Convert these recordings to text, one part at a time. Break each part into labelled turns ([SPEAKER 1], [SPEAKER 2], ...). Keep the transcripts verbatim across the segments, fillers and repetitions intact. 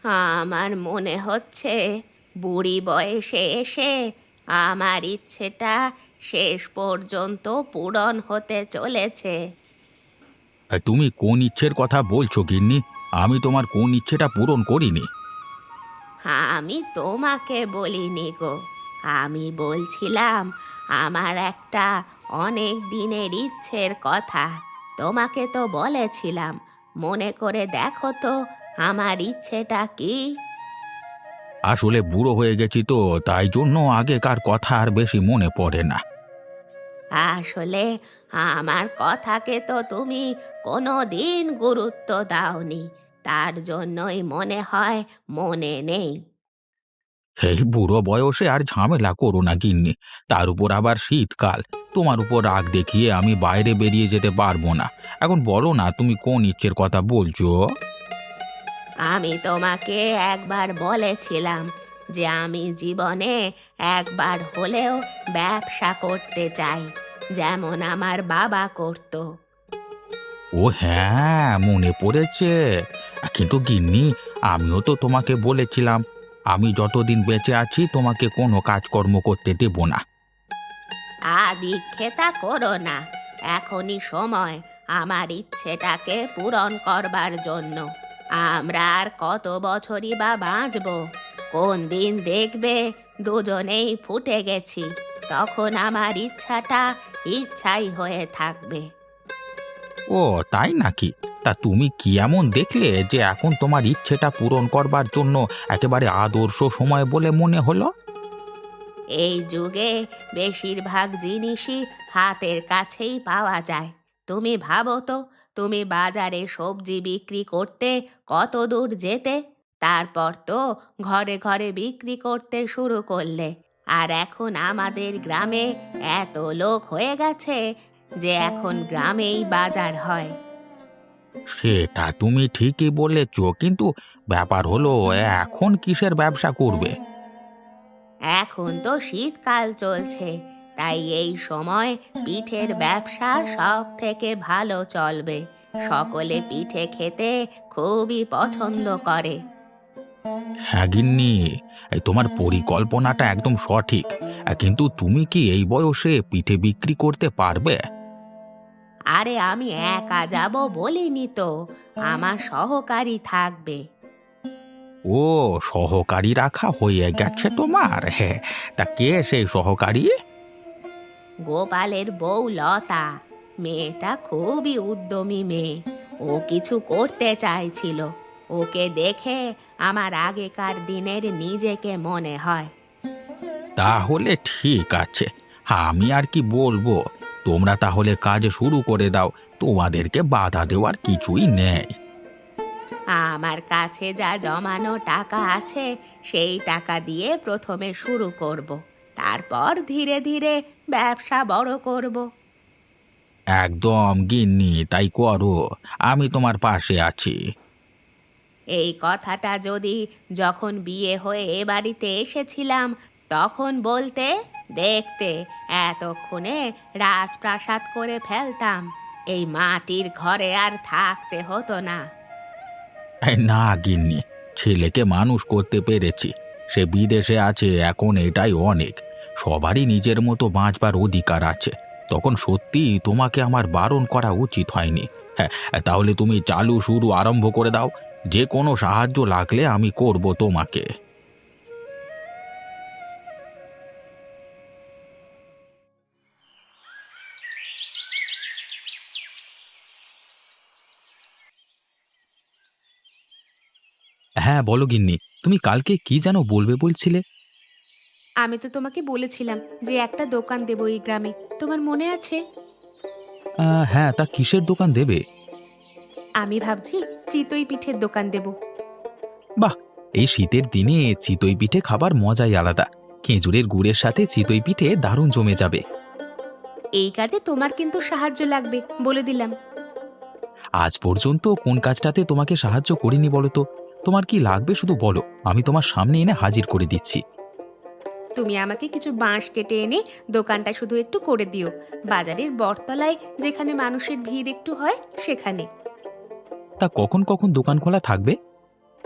[SPEAKER 1] আমার মনে হচ্ছে বুড়ি বয়সে এসে আমার ইচ্ছেটা শেষ পর্যন্ত পূরণ হতে চলেছে।
[SPEAKER 2] আহ, তুমি কোন ইচ্ছের কথা বলছো গিন্নি? আমি তোমার কোন ইচ্ছেটা পূরণ করিনি?
[SPEAKER 1] আমি তোমাকে বলিনি গো, আমি বলছিলাম আমার একটা অনেক দিনের ইচ্ছের কথা। তোমাকে তো বলেছিলাম, মনে করে দেখো তো আমার ইচ্ছেটা কি।
[SPEAKER 2] আসলে বুড়ো হয়ে গেছি তো, তাই জন্য আগেকার কথা আর বেশি মনে পড়ে না।
[SPEAKER 1] আসলে আমার কথাকে তো তুমি কোনো দিন গুরুত্ব দাওনি, তার জন্যই মনে হয় মনে নেই।
[SPEAKER 2] এই বুড়ো বয়সে আর ঝামেলা করো না গিন্নি। তার উপর আবার শীতকাল। তোমার উপর রাগ দেখিয়ে আমি বাইরে বেরিয়ে যেতে পারবো না। এখন বলো না, তুমি কোন ইচ্ছের কথা বলছো?
[SPEAKER 1] আমি তোমাকে একবার বলেছিলাম যে আমি জীবনে একবার হলেও ব্যবসা করতে চাই, যেমন আমার বাবা করত।
[SPEAKER 2] ও হ্যাঁ, মনে পড়েছে। কিন্তু গিন্নি, আমিও তো তোমাকে বলেছিলাম আমি যতদিন বেঁচে আছি তোমাকে কোনো কাজকর্ম করতে দেব না।
[SPEAKER 1] আদিক্ষেতা করো না, এখনই সময় আমার ইচ্ছেটাকে পূরণ করবার জন্য। আমরা আর কত বছরই বা বাঁচবো? কোন দিন দেখবে দুজনেই ফুটে গেছি, তখন আমার ইচ্ছাটা ইচ্ছাই হয়ে থাকবে।
[SPEAKER 2] ও তাই নাকি? তা তুমি কি এমন দেখলে যে এখন তোমার ইচ্ছেটা পূরণ করবার জন্য একেবারে আদর্শ সময় বলে মনে হলো?
[SPEAKER 1] এই যুগে বেশিরভাগ জিনিসই হাতের কাছেই পাওয়া যায়। তুমি ভাবো তো, তুমি বাজারে সবজি বিক্রি করতে কত দূর যেতে, তারপর তো ঘরে ঘরে বিক্রি করতে শুরু করলে। আর এখন আমাদের গ্রামে এত লোক হয়ে গেছে যে এখন গ্রামেই বাজার হয়।
[SPEAKER 2] সেটা তুমি ঠিকই বলেছ, কিন্তু ব্যাপার হলো এখন কিসের ব্যবসা করবে?
[SPEAKER 1] এখন তো শীতকাল চলছে, তাই এই সময় পিঠের ব্যবসা সব থেকে ভালো চলবে। সকলে পিঠে খেতে খুবই পছন্দ করে।
[SPEAKER 2] হ্যাঁ গিন্নি, এই তোমার পরিকল্পনাটা একদম সঠিক। আহ, কিন্তু তুমি কি এই বয়সে পিঠে বিক্রি করতে পারবে?
[SPEAKER 1] আরে আমি একা যাব বলিনি তো, আমার সহকারী থাকবে।
[SPEAKER 2] ও, সহকারী রাখা হয়ে গেছে তোমার? হ্যাঁ, তা কে সেই সহকারী?
[SPEAKER 1] গোপালের বউ লতা, মেয়েটা খুবই উদ্যমী মেয়ে। ও কিছু করতে চাইছিল, ওকে দেখে আমার আগেকার দিনের নিজেকে মনে হয়।
[SPEAKER 2] তাহলে ঠিক আছে, আমি আর কি বলবো। তোমরা তাহলে কাজ শুরু করে দাও, তোমাদেরকে বাধা দেওয়ার কিছুই নেই।
[SPEAKER 1] আমার কাছে যা জমানো টাকা আছে সেই টাকা দিয়ে প্রথমে শুরু করব, তারপর ধীরে ধীরে ব্যবসা বড় করব।
[SPEAKER 2] একদম গিন্নি, তাই করো। আমি তোমার পাশে আছি।
[SPEAKER 1] এই কথাটা যদি যখন বিয়ে হয়ে এ বাড়িতে এসেছিলাম তখন বলতে, দেখতে এতক্ষণে রাজপ্রাসাদ করে ফেলতাম, এই মাটির ঘরে আর থাকতে হতো না।
[SPEAKER 2] এই না গিন্নি, ছেলেকে মানুষ করতে পেরেছি। সে বিদেশে আছে, এখন এটাই অনেক। সবারই নিজের মতো বাঁচবার অধিকার আছে। তখন সত্যি তোমাকে আমার বারণ করা উচিত হয়নি। হ্যাঁ, তাহলে তুমি চালু শুরু আরম্ভ করে দাও। যে কোনো সাহায্য লাগলে আমি করব তোমাকে। হ্যাঁ বলো গিন্নি, তুমি কালকে কি যেন বলবে বলছিলে?
[SPEAKER 1] আমি তো তোমাকে বলেছিলাম যে একটা দোকান দেবো এই গ্রামে, তোমার মনে আছে?
[SPEAKER 2] আহ, হ্যাঁ, তা কিসের দোকান দেবে?
[SPEAKER 1] আমি ভাবছি চিতই পিঠের দোকান দেব।
[SPEAKER 2] বাহ, এই শীতের দিনে চিতই পিঠে খাবার মজাই আলাদা। খেজুরের গুড়ের সাথে চিতই পিঠে দারুণ জমে যাবে।
[SPEAKER 1] এই কাজে তোমার কিন্তু সাহায্য লাগবে, বলে দিলাম।
[SPEAKER 2] আজ পর্যন্ত কোন কাজটাতে তোমাকে সাহায্য করিনি বলো তো? তোমার কি লাগবে শুধু বলো, আমি তোমার সামনে এনে হাজির করে দিচ্ছি।
[SPEAKER 1] তুমি আমাকে কিছু বাঁশ কেটে এনে দোকানটা শুধু একটু করে দিও, বাজারের বটতলায় যেখানে মানুষের ভিড় একটু হয় সেখানে।
[SPEAKER 2] তা কখন কখন দোকান খোলা থাকবে?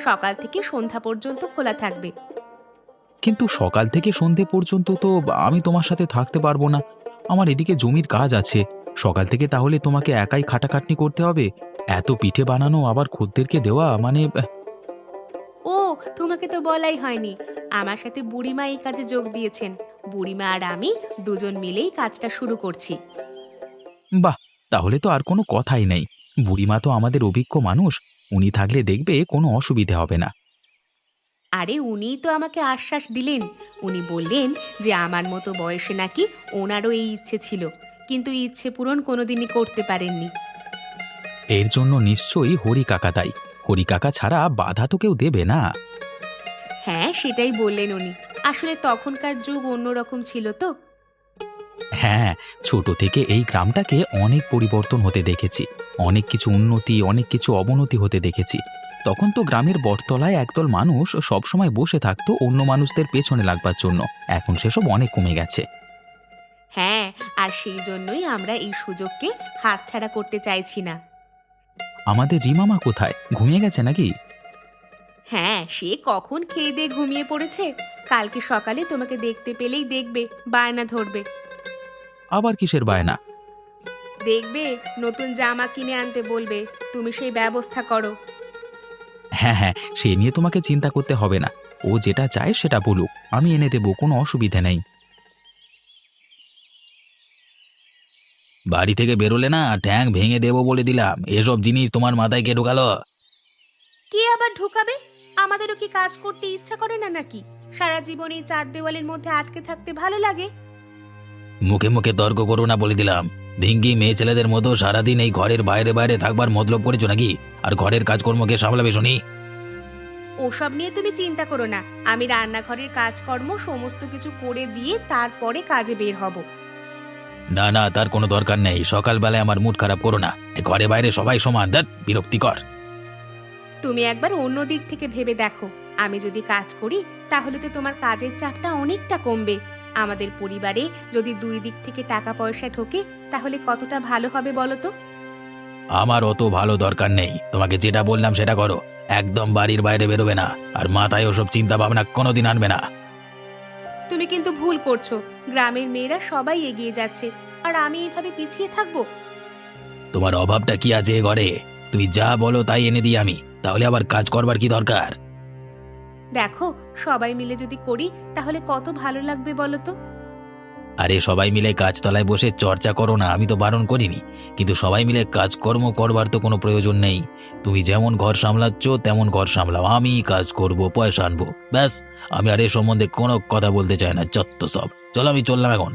[SPEAKER 1] সকাল থেকে সন্ধ্যা পর্যন্ত খোলা থাকবে।
[SPEAKER 2] কিন্তু সকাল থেকে সন্ধে পর্যন্ত তো আমি তোমার সাথে থাকতে পারবো না। আমার এদিকে জমির কাজ আছে। সকাল থেকে তাহলে তোমাকে একাই খাটাখাটনি করতে হবে। এত পিঠে বানানো আবার খদ্দেরকে দেওয়া মানে আহ,
[SPEAKER 1] ও, তোমাকে তো বলাই হয়নি, আমার সাথে বুড়িমা এই কাজে যোগ দিয়েছেন। বুড়িমা আর আমি দুজন মিলেই কাজটা শুরু করছি।
[SPEAKER 2] বাহ! তাহলে তো আর কোনো কথাই নেই। বুড়িমা তো আমাদের অভিজ্ঞ মানুষ। উনি থাকলে দেখবে কোনো অসুবিধে হবে না।
[SPEAKER 1] আরে উনিই তো আমাকে আশ্বাস দিলেন। উনি বললেন যে আমার মতো বয়সে নাকি ওনারও এই ইচ্ছে ছিল, কিন্তু এই ইচ্ছে পূরণ কোনোদিনই করতে পারেননি।
[SPEAKER 2] এর জন্য নিশ্চয়ই হরি কাকা দায়ী। হরি কাকা ছাড়া বাধা তো কেউ দেবে না।
[SPEAKER 1] হ্যাঁ, সেটাই বললেন উনি। আসলে তখনকার যুগ অন্যরকম ছিল তো।
[SPEAKER 2] হ্যাঁ, ছোট থেকে এই গ্রামটাকে অনেক পরিবর্তন হতে দেখেছি। অনেক কিছু উন্নতি, অনেক কিছু অবনতি হতে দেখেছি। তখন তো গ্রামের বটতলায় একদল মানুষ সবসময় বসে থাকতো অন্য মানুষদের পেছনে লাগবার জন্য। এখন সেসব অনেক কমে গেছে।
[SPEAKER 1] হ্যাঁ, আর সেই জন্যই আমরা এই সুযোগকে হাতছাড়া করতে চাইছি না।
[SPEAKER 2] আমাদের রিমামা কোথায়? ঘুমিয়ে গেছে নাকি?
[SPEAKER 1] হ্যাঁ, সে কখন খেয়ে দিয়ে ঘুমিয়ে পড়েছে। কালকে সকালে তোমাকে দেখতে পেলেই দেখবে বায়না ধরবে।
[SPEAKER 2] আবার কিসের বায়না?
[SPEAKER 1] দেখবে নতুন জামা কিনে আনতে বলবে, তুমি সেই ব্যবস্থা করো।
[SPEAKER 2] হ্যাঁ, হ্যাঁ, সে নিয়ে তোমাকে চিন্তা করতে হবে না। ও যেটা চায় সেটা বলুক। আমি এনে দেব, কোনো অসুবিধে নেই। বাড়ি থেকে বেরোলে না ঠ্যাং ভেঙে দেবো বলে দিলাম। এসব জিনিস তোমার মাথায় কে ঢোকালো?
[SPEAKER 1] কে আবার ঢুকাবে? আমাদেরও কি কাজ করতে ইচ্ছা করে না নাকি? সারা জীবন এই চার দেওয়ালের মধ্যে আটকে থাকতে ভালো লাগে?
[SPEAKER 2] মুখে মুখে তর্ক করো না বলে দিলাম। ধিঙ্গি মেয়ে ছেলেদের মতো সারাদিন এই ঘরের বাইরে বাইরে থাকবার মতলব করেছো নাকি? আর ঘরের কাজকর্মকে সামলাবে শুনি?
[SPEAKER 1] ওসব নিয়ে তুমি চিন্তা করো না। আমি রান্নাঘরের কাজকর্ম সমস্ত কিছু করে দিয়ে তারপরে কাজে বের হব।
[SPEAKER 2] না না, তার কোনো দরকার নেই। সকালবেলায় আমার মুড খারাপ করো না। এ ঘরে বাইরে সবাই সমান, ধ্যাৎ বিরক্তিকর।
[SPEAKER 1] তুমি একবার অন্য দিক থেকে ভেবে দেখো। আমি যদি কাজ করি তাহলে তো তোমার কাজের চাপটা অনেকটা কমবে। আমাদের পরিবারে যদি দুই দিক থেকে টাকা পয়সা ঢোকে তাহলে কতটা ভালো হবে বলো তো?
[SPEAKER 2] আমার অত ভালো দরকার নেই। তোমাকে যেটা বললাম সেটা করো। একদম বাড়ির বাইরে বেরোবে না। আর মাথায় ওসব চিন্তা ভাবনা কোনোদিন আনবে না।
[SPEAKER 1] তুমি কিন্তু ভুল করছো। গ্রামের মেয়েরা সবাই এগিয়ে যাচ্ছে, আর আমি এইভাবে পিছিয়ে থাকবো?
[SPEAKER 2] তোমার অভাবটা কি আছে এ ঘরে? তুমি যা বলো তাই এনে দিই আমি। তাহলে আবার কাজ করবার কি দরকার?
[SPEAKER 1] দেখো, সবাই মিলে যদি করি তাহলে কত ভালো লাগবে বলো তো?
[SPEAKER 2] আরে সবাই মিলে কাজতলায় বসে চর্চা করো না, আমি তো বারণ করিনি। কিন্তু সবাই মিলে কাজকর্ম করবার তো কোনো প্রয়োজন নেই। তুমি যেমন ঘর সামলাচ্ছ তেমন ঘর সামলাও, আমি কাজ করব, পয়সা আনবো, ব্যাস। আমি আর এ সম্বন্ধে কোনো কথা বলতে চাই না, যত সব। চলো আমি চললাম এখন।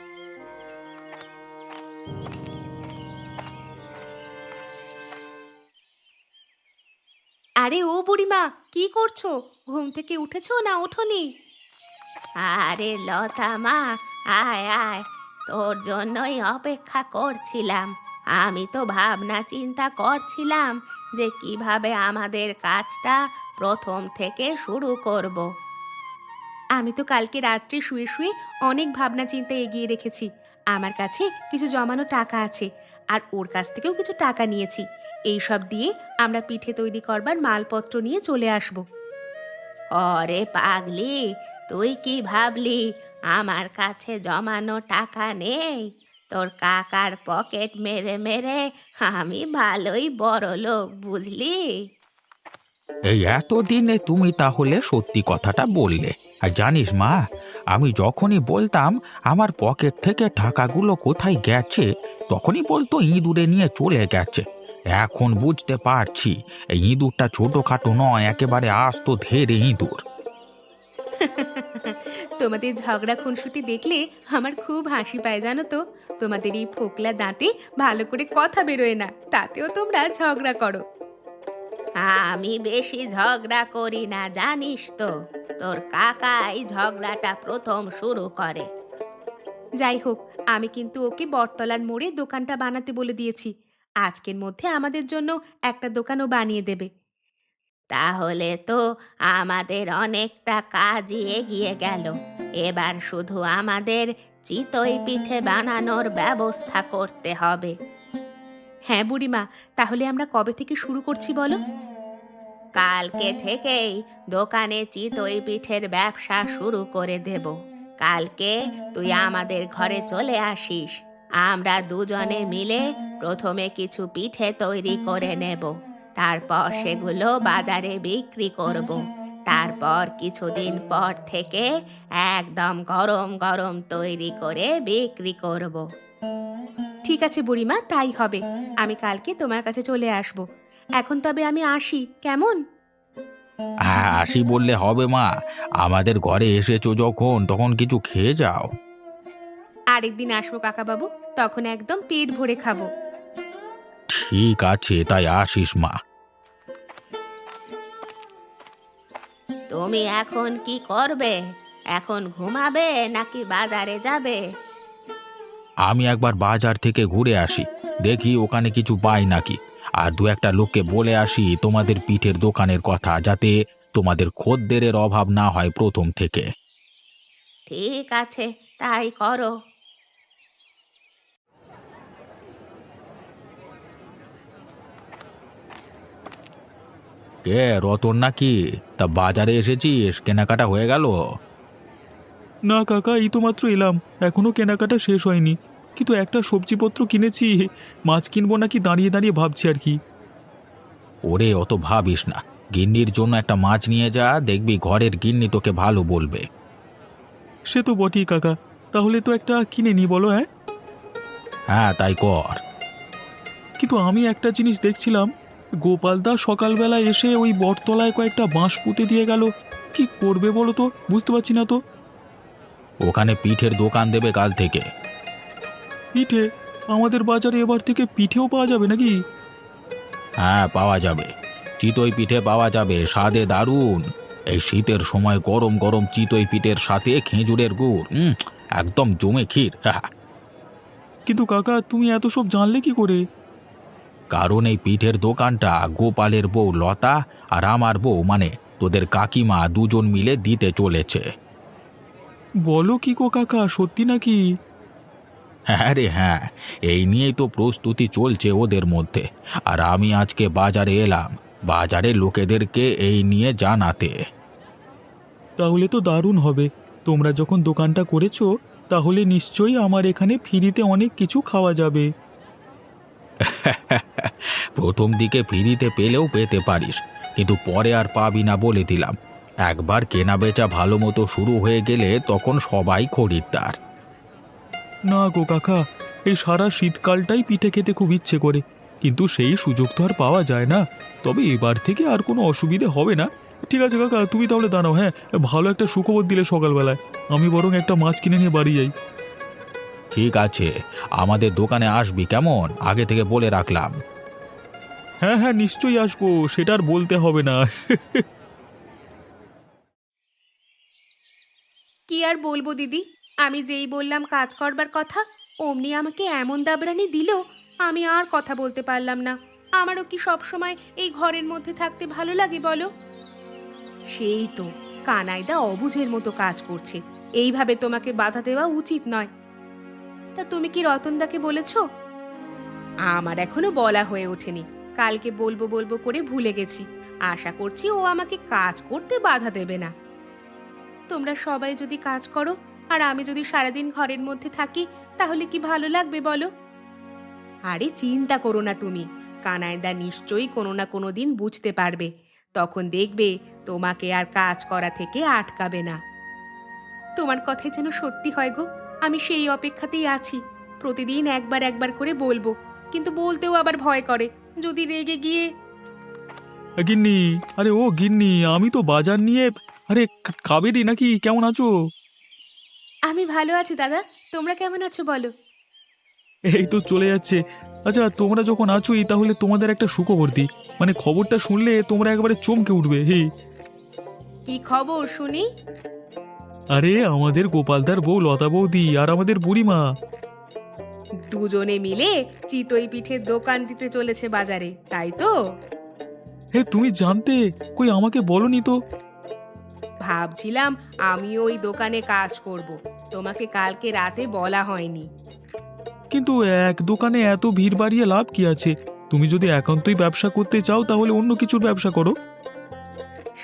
[SPEAKER 1] আরে ও বুড়িমা, কি করছো? ঘুম থেকে উঠেছো না ওঠোনি? আরে লতা মা, আয় আয়, তোর জন্যই অপেক্ষা করছিলাম। আমি তো ভাবনা চিন্তা করছিলাম যে কিভাবে আমাদের কাজটা প্রথম থেকে শুরু করব। আমি তো কালকে রাত্রে শুয়ে শুয়ে অনেক ভাবনা চিন্তা এগিয়ে রেখেছি। আমার কাছে কিছু জমানো টাকা আছে, আর ওর কাছ থেকেও কিছু টাকা নিয়েছি। এই সব দিয়ে আমরা পিঠে তৈরি করবার মালপত্র নিয়ে চলে আসব। অরে পাগলি, তুই কি ভাবলি আমার কাছে জমানো টাকা নেই? তোর কাকার পকেট মেরে মেরে আমি ভালোই বড় লোক, বুঝলি?
[SPEAKER 2] এই এতদিনে তুমি তাহলে সত্যি কথাটা বললে। আর জানিস মা, আমি যখনই বলতাম আমার পকেট থেকে টাকাগুলো কোথায় গেছে, তখনই বলতো ইঁদুরে নিয়ে চলে গেছে। এখন বুঝতে পারছি এই ইঁদুরটা ছোটখাটো নয়, একেবারে আস্ত ধেড়ে ইঁদুর।
[SPEAKER 1] তোমাদের ঝগড়া খুনসুটি দেখলে আমার খুব হাসি পায় জানো তো। তোমাদের এই ফোকলা দাঁতে ভালো করে কথা বেরোয় না, তাতেও তোমরা ঝগড়া করো। আমি বেশি ঝগড়া করি না জানিস তো। তোর কাকাই ঝগড়াটা প্রথম শুরু করে। যাই হোক, আমি কিন্তু ওকে বটতলার মোড়ে দোকানটা বানাতে বলে দিয়েছি। আজকের মধ্যে আমাদের জন্য একটা দোকানও বানিয়ে দেবে। তাহলে তো আমাদের অনেকটা কাজই এগিয়ে গেল। এবার শুধু আমাদের চিতই পিঠে বানানোর ব্যবস্থা করতে হবে। হ্যাঁ বুড়িমা, তাহলে আমরা কবে থেকে শুরু করছি বলো? কালকে থেকেই দোকানে চিতই পিঠের ব্যবসা শুরু করে দেব। কালকে তুই আমাদের ঘরে চলে আসিস। আমরা দুজনে মিলে প্রথমে কিছু পিঠে তৈরি করে নেব, তারপর সেগুলো বাজারে বিক্রি করব। তারপর কিছুদিন পর থেকে একদম গরম গরম তৈরি করে বিক্রি করব। ঠিক আছে বুড়িমা, তাই হবে। আমি কালকে তোমার কাছে চলে আসব। এখন তবে আমি আসি, কেমন?
[SPEAKER 2] হ্যাঁ, আসি বললে হবে মা। আমাদের ঘরে এসেছো যখন, তখন কিছু খেয়ে যাও।
[SPEAKER 1] আরেকদিন আসবো কাকাবাবু, তখন একদম পেট ভরে খাবো।
[SPEAKER 2] ঠিক আছে, তাই আসিস মা।
[SPEAKER 1] তুমি এখন কি করবে? এখন ঘুমাবে নাকি বাজারে যাবে?
[SPEAKER 2] আমি একবার বাজার থেকে ঘুরে আসি, দেখি ওখানে কিছু পাই নাকি। আর দু একটা লোককে বলে আসি তোমাদের পিঠের দোকানের কথা, যাতে তোমাদের খদ্দেরের অভাব না হয় প্রথম থেকে।
[SPEAKER 1] ঠিক আছে, তাই করো।
[SPEAKER 2] কে, রতন নাকি? তা বাজারে এসেছিস, কেনাকাটা হয়ে গেল?
[SPEAKER 3] না কাকা, এই তো মাত্র এলাম, এখনো কেনাকাটা শেষ হয়নি। কিন্তু একটা সবজিপত্র কিনেছি, মাছ কিনবো নাকি দাঁড়িয়ে দাঁড়িয়ে ভাবছি আর কি।
[SPEAKER 2] ওরে, অত ভাবিস না। গিন্নির জন্য একটা মাছ নিয়ে যা, দেখবি ঘরের গিন্নি তোকে ভালো বলবে।
[SPEAKER 3] সে তো বটেই কাকা, তাহলে তো একটা কিনে নি বলো। হ্যাঁ,
[SPEAKER 2] হ্যাঁ, তাই কর।
[SPEAKER 3] কিন্তু আমি একটা জিনিস দেখছিলাম, গোপালদা সকালবেলা এসে ওই বটতলায় কয়েকটা বাঁশ পুঁতে দিয়ে গেল। কি করবে বলো তো, বুঝতে পারছি না তো।
[SPEAKER 2] ওখানে পিঠের দোকান দেবে কাল থেকে।
[SPEAKER 3] পিঠে? আমাদের বাজারে এবার থেকে পিঠেও পাওয়া যাবে নাকি?
[SPEAKER 2] হ্যাঁ, পাওয়া যাবে। চিতই পিঠে পাওয়া যাবে, স্বাদে দারুণ। এই শীতের সময় গরম গরম চিতই পিঠের সাথে খেজুরের গুড়, উম, একদম জমে ক্ষীর। হ্যাঁ,
[SPEAKER 3] কিন্তু কাকা, তুমি এত সব জানলে কি করে?
[SPEAKER 2] কারণ এই পিঠের দোকানটা গোপালের বউ লতা আর আমার বউ মানে তোদের কাকিমা দুজন মিলে দিতে চলেছে।
[SPEAKER 3] বলো কি গো কাকা, সত্যি নাকি?
[SPEAKER 2] হ্যাঁ রে হ্যাঁ, এই নিয়েই তো প্রস্তুতি চলছে ওদের মধ্যে। আর আমি আজকে বাজারে এলাম, বাজারে লোকেদেরকে এই নিয়ে জানাতে।
[SPEAKER 3] তাহলে তো দারুণ হবে। তোমরা যখন দোকানটা করেছো, তাহলে নিশ্চয়ই আমার এখানে ফ্রিতে অনেক কিছু খাওয়া যাবে।
[SPEAKER 2] প্রথম দিকে ফ্রিতে পেলেও পেতে পারিস, কিন্তু পরে আর পাবি না বলে দিলাম। একবার কেনা বেচা ভালো মতো শুরু হয়ে গেলে তখন সবাই খরিদ্দার।
[SPEAKER 3] না গো কাকা, এই সারা শীতকালটাই পিঠে খেতে খুব ইচ্ছে করে, কিন্তু সেই সুযোগ তো আর পাওয়া যায় না। তবে এবার থেকে আর কোনো অসুবিধে হবে না। ঠিক আছে কাকা, তুমি তাহলে দাঁড়াও। হ্যাঁ, ভালো একটা সুখবর দিলে সকালবেলায়। আমি বরং একটা মাছ কিনে নিয়ে বাড়ি যাই।
[SPEAKER 2] ঠিক আছে, আমাদের দোকানে আসবি কেমন, আগে থেকে বলে রাখলাম।
[SPEAKER 3] হ্যাঁ হ্যাঁ, নিশ্চয়ই আসবো, সেটা আর বলতে হবে না।
[SPEAKER 1] কি আর বলবো দিদি, আমি যেই বললাম কাজ করবার কথা, অমনি আমাকে এমন দাবরানি দিল, আমি আর কথা বলতে পারলাম না। আমারও কি সব সময় এই ঘরের মধ্যে থাকতে ভালো লাগে বলো? সেই তো, কানাইদা অবুঝের মতো কাজ করছে। এইভাবে তোমাকে বাধা দেওয়া উচিত নয়। তা তুমি কি রতনদাকে বলেছো? আমার এখনো বলা হয়ে ওঠেনি। কালকে বলবো বলবো করে ভুলে গেছি। আশা করছি ও আমাকে কাজ করতে বাধা দেবে না। তোমরা সবাই যদি কাজ করো আর আমি যদি সারাদিন ঘরের মধ্যে থাকি, তাহলে কি ভালো লাগবে বলো? আরে চিন্তা করো না তুমি, কানাইদা নিশ্চয়ই কোনো না কোনো দিন বুঝতে পারবে। তখন দেখবে তোমাকে আর কাজ করা থেকে আটকাবে না। তোমার কথাই যেন সত্যি হয় গো, আমি সেই অপেক্ষাতেই আছি। প্রতিদিন একবার একবার করে বলবো, কিন্তু বলতেও আবার ভয় করে, যদি রেগে গিয়ে।
[SPEAKER 3] গিন্নি, আরে ও গিন্নি, আমি তো বাজার নিয়ে। আরে কা- কাবেরী নাকি, কেমন আছো?
[SPEAKER 1] আমি ভালো আছি দাদা, তোমরা কেমন আছো বলো?
[SPEAKER 3] এই তো চলে যাচ্ছে। আচ্ছা, তোমরা যখন আছোই, তাহলে তোমাদের একটা সুখবর দিই। মানে খবরটা শুনলে তোমরা একবারে চমকে উঠবে। হে,
[SPEAKER 1] কি খবর শুনি?
[SPEAKER 3] আরে আমাদের গোপালদার বউ লতা বৌদি আর আমাদের বুড়িমা।
[SPEAKER 1] দুজনে মিলে চিতই পিঠের দোকান দিতে চলেছে বাজারে, তাই তো?
[SPEAKER 3] হে, তুমি জানতে? কই আমাকে বলনি তো।
[SPEAKER 1] ভাবছিলাম আমি ওই দোকানে কাজ করব, তোমাকে কালকে রাতে বলা হয়নি।
[SPEAKER 3] কিন্তু এক দোকানে এত ভিড় বাড়িয়ে লাভ কি আছে? তুমি যদি একান্তই ব্যবসা করতে চাও, তাহলে অন্য কিছুর ব্যবসা করো।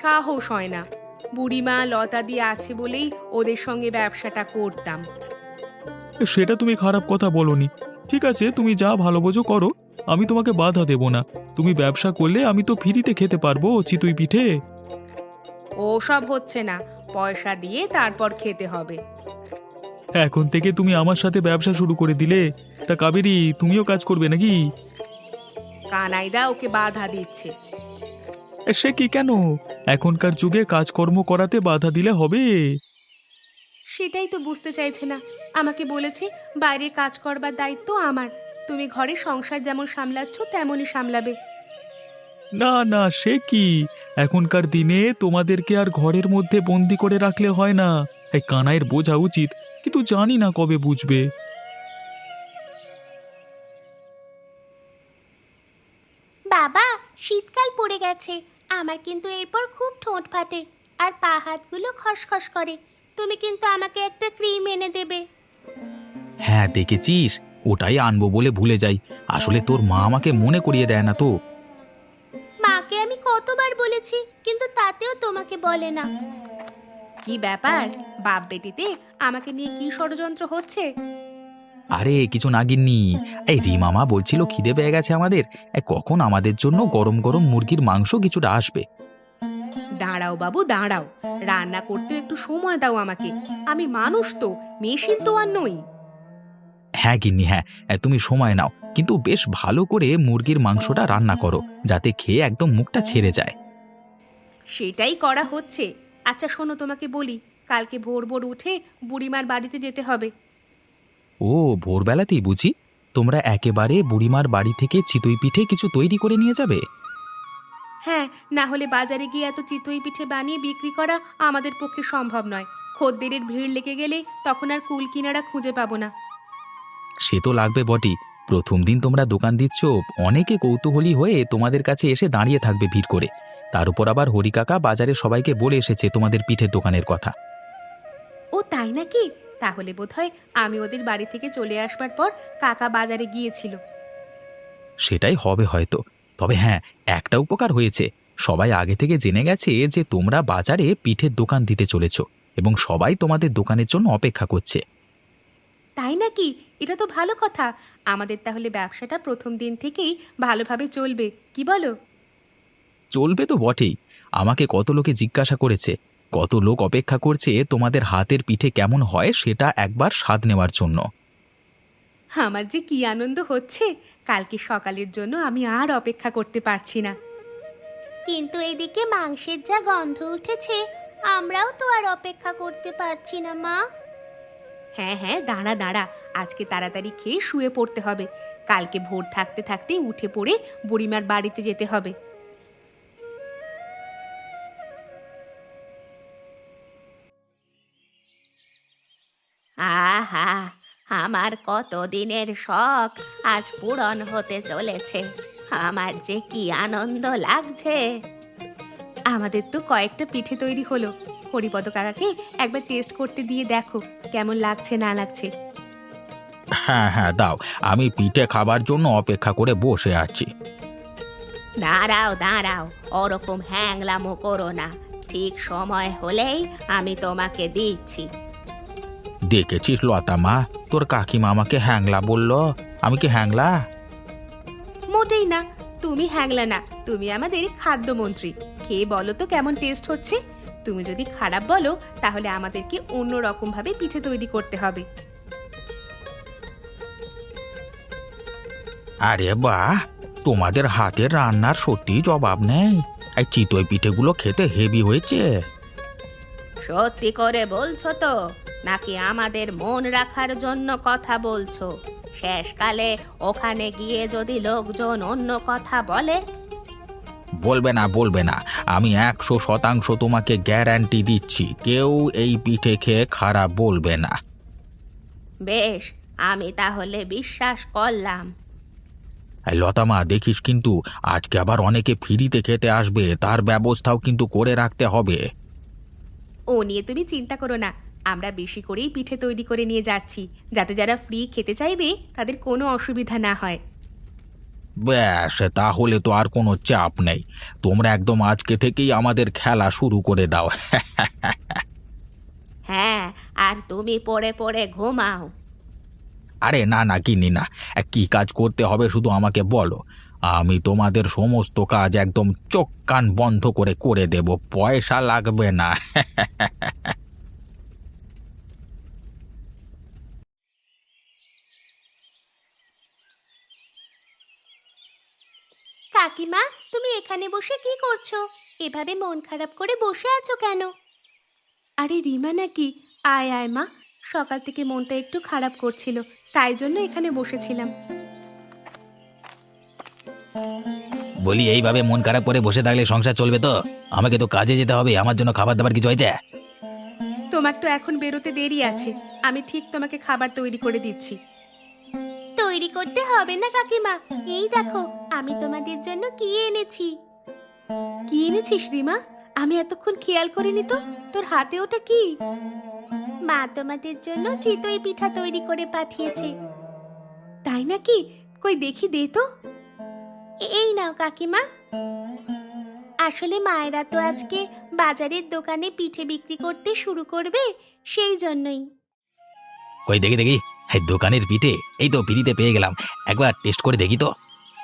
[SPEAKER 1] সাহস হয় না। বুড়িমা লতা দিয়ে আছে বলেই ওদের সঙ্গে ব্যবসাটা করতাম।
[SPEAKER 3] সেটা তুমি খারাপ কথা বলনি। ঠিক আছে, তুমি যা ভালো বোঝো করো, আমি তোমাকে বাধা দেব না। তুমি ব্যবসা করলে আমি তো ফ্রিতে খেতে পারবো চিতই পিঠে।
[SPEAKER 1] ওসব হচ্ছে না, পয়সা দিয়ে তারপর খেতে হবে।
[SPEAKER 3] এখন থেকে তুমি আমার সাথে ব্যবসা শুরু করে দিলে, তা কাবেরী তুমিও কাজ করবে নাকি?
[SPEAKER 1] কানাইদা ওকে বাধা দিচ্ছে।
[SPEAKER 3] এ, সে কি কেন? এখনকার যুগে কাজকর্ম করাতে বাধা দিলে হবে?
[SPEAKER 1] সেটাই তো বুঝতে চাইছে না। আমাকে বলেছে বাইরের কাজ করবার দায়িত্ব আমার, তুমি ঘরে সংসার যেমন সামলাচ্ছ তেমনই সামলাবে।
[SPEAKER 3] না না, সে কি? এখনকার দিনে তোমাদেরকে আর ঘরের মধ্যে বন্দি করে রাখলে হয় না। এই কানাইয়ের বোঝা উচিত, কিন্তু জানি না কবে বুঝবে।
[SPEAKER 4] বাবা, শীতকাল পড়ে গেছে, আমার কিন্তু এরপর খুব ঠোঁট ফাটে আর পা হাতগুলো খসখস করে। তুমি কিন্তু আমাকে একটা ক্রিম এনে দেবে।
[SPEAKER 2] হ্যাঁ দেখেছিস, ওটাই আনবো বলে ভুলে যাই। আসলে তোর মা আমাকে মনে করিয়ে দেয় না তো।
[SPEAKER 4] মাকে আমি কতবার বলেছি, কিন্তু তাতেও তোমাকে বলে না।
[SPEAKER 1] কি ব্যাপার, বাপ বেটিতে আমাকে নিয়ে কি ষড়যন্ত্র হচ্ছে?
[SPEAKER 2] আরে কিছু না গিন্নি, এই রিমামা বলছিল খিদে পেয়ে গেছে আমাদের, এই কখন আমাদের জন্য গরম গরম মুরগির মাংস কিছুটা আসবে।
[SPEAKER 1] দাঁড়াও বাবু দাঁড়াও, রান্না করতে একটু সময় দাও আমাকে। আমি মানুষ তো, মেশিন তো আর নই।
[SPEAKER 2] হ্যাঁ গিন্নি হ্যাঁ, তুমি সময় নাও, কিন্তু বেশ ভালো করে মুরগির মাংসটা রান্না করো, যাতে খেয়ে একদম মুখটা ছেড়ে যায়।
[SPEAKER 1] সেটাই করা হচ্ছে। আচ্ছা শোনো, তোমাকে বলি, কালকে ভোর ভোর উঠে বুড়িমার বাড়িতে যেতে হবে।
[SPEAKER 2] ও, ভোরবেলাতেই বুঝি? তোমরা একেবারে বুড়িমার বাড়ি থেকে চিতই পিঠে কিছু তৈরি করে নিয়ে যাবে?
[SPEAKER 1] হ্যাঁ, না হলে বাজারে গিয়ে এত চিতই পিঠে বানিয়ে বিক্রি করা আমাদের পক্ষে সম্ভব নয়। খদ্দেরের ভিড় লেগে গেলে তখন আর কুল কিনারা খুঁজে পাবো না।
[SPEAKER 2] সে তো লাগবে বটই। প্রথম দিন তোমরা দোকান দিচ্ছ, অনেকে কৌতূহলী হয়ে তোমাদের কাছে এসে দাঁড়িয়ে থাকবে ভিড় করে। তার উপর আবার হরিকাকা বাজারে সবাইকে বলে এসেছে তোমাদের পিঠের দোকানের কথা।
[SPEAKER 1] ও তাই নাকি? তাহলে বোধহয় আমি ওদের বাড়ি থেকে চলে আসবার পর কাকা বাজারে গিয়েছিল।
[SPEAKER 2] সেটাই হবে হয়তো। তবে হ্যাঁ, একটা উপকার হয়েছে, সবাই আগে থেকে জেনে গেছে যে তোমরা বাজারে পিঠের দোকান দিতে চলেছ, এবং সবাই তোমাদের দোকানের জন্য অপেক্ষা করছে।
[SPEAKER 1] তাই নাকি? এটা তো ভালো কথা। আমাদের তাহলে ব্যবসাটা প্রথম দিন থেকেই ভালোভাবে চলবে, কি বলো?
[SPEAKER 2] চলবে তো বটেই। আমাকে কত লোকে জিজ্ঞাসা করেছে, কত লোক অপেক্ষা করছে তোমাদের হাতের পিঠে কেমন হয় সেটা একবার স্বাদ নেওয়ার জন্য।
[SPEAKER 1] আমার যে কি আনন্দ হচ্ছে, কালকে সকালের জন্য আমি আর অপেক্ষা করতে পারছি না।
[SPEAKER 4] কিন্তু এদিকে মাংসের যা গন্ধ উঠেছে, আমরাও তো আর অপেক্ষা করতে পারছি না মা।
[SPEAKER 1] হ্যাঁ হ্যাঁ, দাঁড়া দাঁড়া, আজকে তাড়াতাড়ি খেয়ে শুয়ে পড়তে হবে। কালকে ভোর থাকতে থাকতে উঠে পড়ে বুড়িমার বাড়িতে যেতে হবে। আহা, আমার কত দিনের শখ আজ পূরণ হতে চলেছে। আমার যে কি আনন্দ লাগছে। আমাদের তো কয়েকটা পিঠে তৈরি হলো। হরিপদ কাকাকে একবার টেস্ট করতে দিয়ে দেখো কেমন লাগছে না লাগছে।
[SPEAKER 2] হ্যাঁ হ্যাঁ দাও, আমি পিঠে খাবার জন্য অপেক্ষা করে বসে আছি।
[SPEAKER 1] দাঁড়াও দাঁড়াও, ওরকম হ্যাংলামো করো না। ঠিক সময় হলেই আমি তোমাকে দিচ্ছি।
[SPEAKER 2] দেখেছিস লতা মা, তোর কাকিমা আমাকে হ্যাংলা বলল। আমি কি হ্যাংলা?
[SPEAKER 1] মোটেই না, তুমি হ্যাংলা না, তুমি আমাদের খাদ্যমন্ত্রী। খেয়ে বলো তো কেমন টেস্ট হচ্ছে। তুমি যদি খারাপ বলো তাহলে আমাদেরকে অন্য রকম ভাবে পিঠে তৈরি করতে হবে।
[SPEAKER 2] আরে বাহ, তোমাদের হাতের রান্নার সত্যি জবাব নেই। এই চিতই পিঠেগুলো খেতে হেভি হয়েছে।
[SPEAKER 1] সত্যি করে বলছো তো, নাকি আমাদের মন রাখার জন্য কথা বলছো? শেষকালে ওখানে গিয়ে যদি লোকজন অন্য কথা বলে?
[SPEAKER 2] বলবে না বলবে না, আমি একশো শতাংশ তোমাকে গ্যারান্টি দিচ্ছি, কেউ এই পিঠে খেয়ে খারাপ বলবে না।
[SPEAKER 1] বেশ, আমি তাহলে বিশ্বাস করলাম।
[SPEAKER 2] এই লতা মা, দেখিস কিন্তু আজকে আবার অনেকে ফ্রিতে খেতে আসবে, তার ব্যবস্থাও কিন্তু করে রাখতে হবে।
[SPEAKER 1] ও নিয়ে তুমি চিন্তা করো না, আমরা বেশি করেই পিঠে তৈরি করে নিয়ে যাচ্ছি, যাতে যারা ফ্রি খেতে চাইবে তাদের কোনো অসুবিধা না হয়।
[SPEAKER 2] ব্যাস, তাহলে তো আর কোনো চাপ নেই। তোমরা একদম আজকে থেকেই আমাদের খেলা শুরু করে দাও।
[SPEAKER 1] হ্যাঁ, আর তুমি পড়ে পড়ে ঘুমাও।
[SPEAKER 2] আরে না না গিন্নি না, কি কাজ করতে হবে শুধু আমাকে বলো, আমি তোমাদের সমস্ত কাজ একদম চোখ কান বন্ধ করে করে দেব, পয়সা লাগবে না।
[SPEAKER 4] কাকিমা, তুমি এখানে বসে কি করছো? এভাবে মন খারাপ করে বসে আছো কেন?
[SPEAKER 1] আরে রিমা নাকি? আয় আয় মা, সকাল থেকে মনটা একটু খারাপ করছিল, তাই জন্য এখানে বসেছিলাম।
[SPEAKER 2] বলি, এইভাবে মন খারাপ করে বসে থাকলে সংসার চলবে তো? আমাকে তো কাজে যেতে হবে, আমার জন্য খাবার দাবার কিছু হয়েছে?
[SPEAKER 1] তোমার তো এখন বেরোতে দেরি আছে, আমি ঠিক তোমাকে খাবার তৈরি করে দিচ্ছি।
[SPEAKER 4] তৈরি করতে হবে না কাকিমা, এই দেখো আমি তোমাদের জন্য কি এনেছি।
[SPEAKER 1] কি এনেছিস রিমা? আমি এতক্ষণ খেয়াল করিনি তো, তোর হাতে ওটা কি?
[SPEAKER 4] মা তোমাদের জন্য চিতই পিঠা তৈরি করে পাঠিয়েছে।
[SPEAKER 1] তাই নাকি? কই দেখি, দে তো।
[SPEAKER 4] এই নাও কাকিমা। আসলে মায়েরা তো আজকে বাজারের দোকানে পিঠে বিক্রি করতে শুরু করবে, সেই জন্যই।
[SPEAKER 2] কই দেখি দেখি, এই দোকানের পিঠে এই তো ফ্রিতে পেয়ে গেলাম, একবার টেস্ট করে দেখি তো।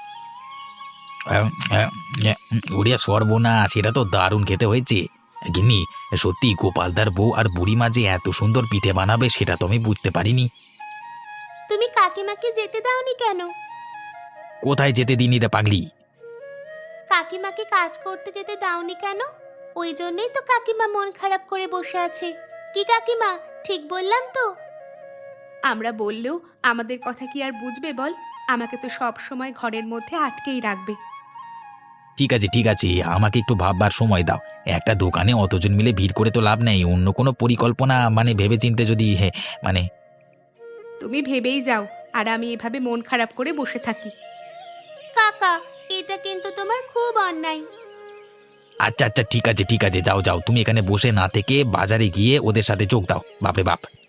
[SPEAKER 2] উড়িয়া সর্বনা, সেটা তো দারুণ খেতে হয়েছে। গিন্নি, সত্যি গোপালদার বউ আর বুড়িমা যে এত সুন্দর পিঠে বানাবে সেটা তো আমি বুঝতে পারিনি।
[SPEAKER 4] তুমি কাকিমাকে যেতে দাওনি কেন?
[SPEAKER 2] কোথায় যেতে দিনি রে পাগলি?
[SPEAKER 4] কাকিমাকে কাজ করতে যেতে দাওনি কেন? ওই জন্যই তো কাকিমা মন খারাপ করে বসে আছে। কি কাকিমা, ঠিক বললাম তো?
[SPEAKER 1] আমরা বললেও আমাদের কথা কি আর বুঝবে বল? আমাকে তো সব সময় ঘরের মধ্যে আটকেই রাখবে।
[SPEAKER 2] ঠিক আছে ঠিক আছে, আমাকে একটু ভাববার সময় দাও। একটা দোকানে অতজন মিলে ভিড় করে তো লাভ নেই, অন্য কোনো পরিকল্পনা মানে ভেবেচিন্তে যদি হে মানে
[SPEAKER 1] তুমি ভেবেই যাও, আর আমি এভাবে মন খারাপ করে বসে থাকি।
[SPEAKER 4] কাকা, এটা কিন্তু তোমার খুব অন্যায়।
[SPEAKER 2] আচ্ছা আচ্ছা ঠিক আছে ঠিক আছে, যাও যাও, তুমি এখানে বসে না থেকে বাজারে গিয়ে ওদের সাথে যোগ দাও। বাপরে বাপ!